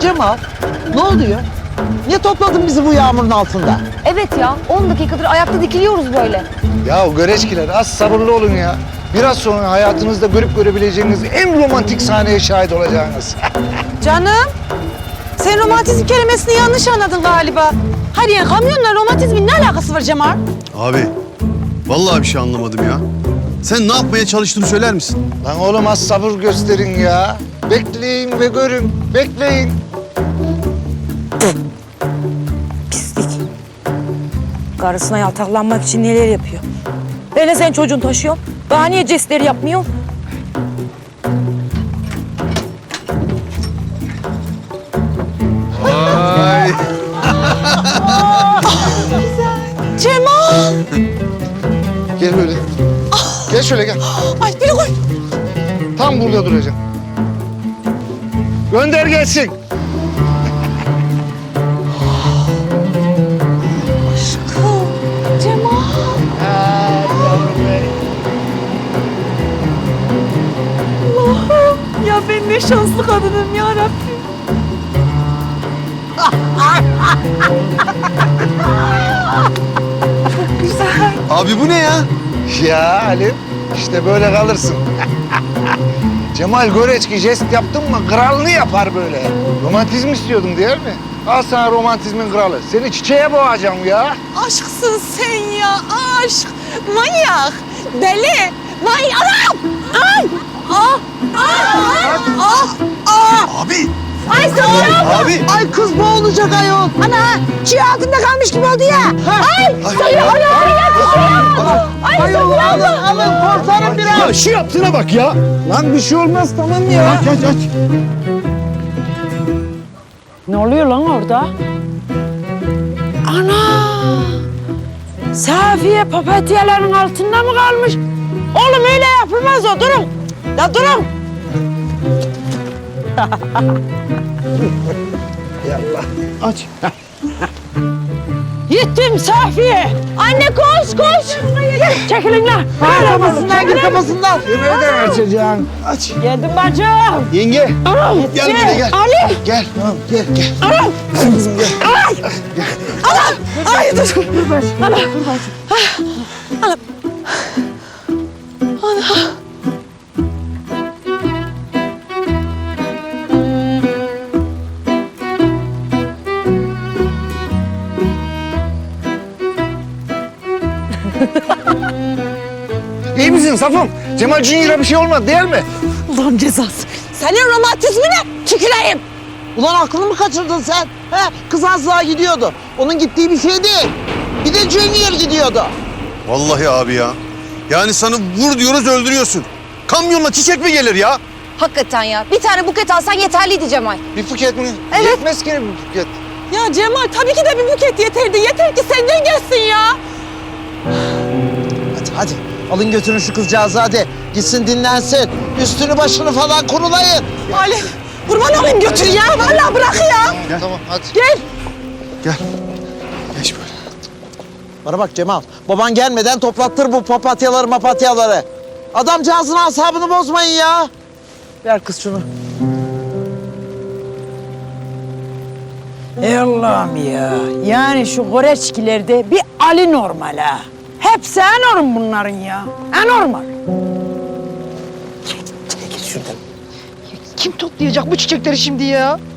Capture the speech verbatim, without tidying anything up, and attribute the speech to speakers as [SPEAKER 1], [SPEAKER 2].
[SPEAKER 1] Cemal, ne oluyor? Niye topladın bizi bu yağmurun altında?
[SPEAKER 2] Evet ya, on dakikadır ayakta dikiliyoruz böyle.
[SPEAKER 3] Ya göreçkiler az sabırlı olun ya. Biraz sonra hayatınızda görüp görebileceğiniz en romantik sahneye şahit olacağınız.
[SPEAKER 4] Canım, sen romantizm kelimesini yanlış anladın galiba. Hayır yani kamyonla romantizmin ne alakası var Cemal?
[SPEAKER 5] Abi, vallahi bir şey anlamadım ya. Sen ne yapmaya çalıştığını söyler misin?
[SPEAKER 3] Lan oğlum az sabır gösterin ya. Bekleyin ve görün. Bekleyin.
[SPEAKER 4] Pislik. Karısına yaltaklanmak için neler yapıyor? Ben de senin çocuğun taşıyorum. Daha niye jestleri yapmıyor?
[SPEAKER 5] Ay.
[SPEAKER 4] Cemal!
[SPEAKER 3] Gel böyle. Gel şöyle gel.
[SPEAKER 4] Ay biri koy.
[SPEAKER 3] Tam burada duracağım. Gönder gelsin.
[SPEAKER 4] Aşkım, Cemal. Allah'ım ya ben ne şanslı kadınım ya Rabbim. Çok güzel.
[SPEAKER 5] Abi bu ne ya?
[SPEAKER 3] Ya Halim, işte böyle kalırsın. Cemal Göreçki jest yaptın mı kralını yapar böyle. Romantizm istiyordun değil mi? Al sana romantizmin kralı. Seni çiçeğe boğacağım ya.
[SPEAKER 4] Aşksın sen ya, aşk. Manyak, deli. Vay anam! Ay! Ah! Ah! Ah! Ah!
[SPEAKER 5] Abi!
[SPEAKER 4] Ay sana!
[SPEAKER 5] Abi!
[SPEAKER 1] Ay kız boğulacak ayol.
[SPEAKER 4] Ana! Çiğ altında kalmış gibi oldu ya. Ay! Sayı ayağını yakışıyor. Ay
[SPEAKER 1] Ayol alın alın kurtarın biraz.
[SPEAKER 5] Ya şu yaptığına bak ya!
[SPEAKER 1] Lan bir şey olmaz tamam ya.
[SPEAKER 5] Aç aç aç!
[SPEAKER 4] Ne oluyor lan orada? Ana! Safiye papatyaların altında mı kalmış? Oğlum öyle yapılmaz o, durun. Ya durun.
[SPEAKER 5] Aç!
[SPEAKER 4] Gittim Safiye. Anne koş koş. Çekilin lan.
[SPEAKER 1] Gir kafasından gir kafasından.
[SPEAKER 3] Nereden açacaksın?
[SPEAKER 5] Aç!
[SPEAKER 4] Geldim bacım.
[SPEAKER 3] Yenge.
[SPEAKER 4] Anam.
[SPEAKER 3] Gel buraya gel.
[SPEAKER 4] Ali.
[SPEAKER 3] Gel. Tamam gel gel.
[SPEAKER 4] Anam.
[SPEAKER 3] Kızım gel.
[SPEAKER 4] Ay. Anam. Ay dur. Dur bacım. Anam. Dur bacım. Anam. Anam.
[SPEAKER 3] İyi misin Safım? Cemal Junior'a bir şey olmadı değil mi?
[SPEAKER 4] Ulan cezası. Senin romantizmine tüküreyim.
[SPEAKER 1] Ulan aklını mı kaçırdın sen? He, kız az daha gidiyordu. Onun gittiği bir şey değil. Bir de Junior gidiyordu.
[SPEAKER 5] Vallahi abi ya. Yani sana vur diyoruz öldürüyorsun. Kamyonla çiçek mi gelir ya?
[SPEAKER 2] Hakikaten ya, bir tane buket alsan yeterliydi Cemal.
[SPEAKER 3] Bir buket mi?
[SPEAKER 2] Evet.
[SPEAKER 3] Yetmez ki bir buket.
[SPEAKER 4] Ya Cemal tabii ki de bir buket yeterdi. Yeter ki senden gelsin ya.
[SPEAKER 1] Hadi hadi alın götürün şu kızcağızı hadi. Gitsin dinlensin. Üstünü başını falan kurulayın.
[SPEAKER 4] Ali kurban olayım götür ya. Vallahi bırak ya.
[SPEAKER 3] Gel. Tamam hadi.
[SPEAKER 4] Gel.
[SPEAKER 5] Gel. Geç böyle.
[SPEAKER 1] Bana bak Cemal, baban gelmeden toplattır bu papatyaları mapatyaları. Adamcağızın asabını bozmayın ya. Ver kız şunu.
[SPEAKER 4] Ey Allah'ım ya. Yani şu Goreçkilerde bir Ali normal ha. Hepsi enorm bunların ya. Enormal.
[SPEAKER 1] Çekil şuradan.
[SPEAKER 2] Kim toplayacak bu çiçekleri şimdi ya?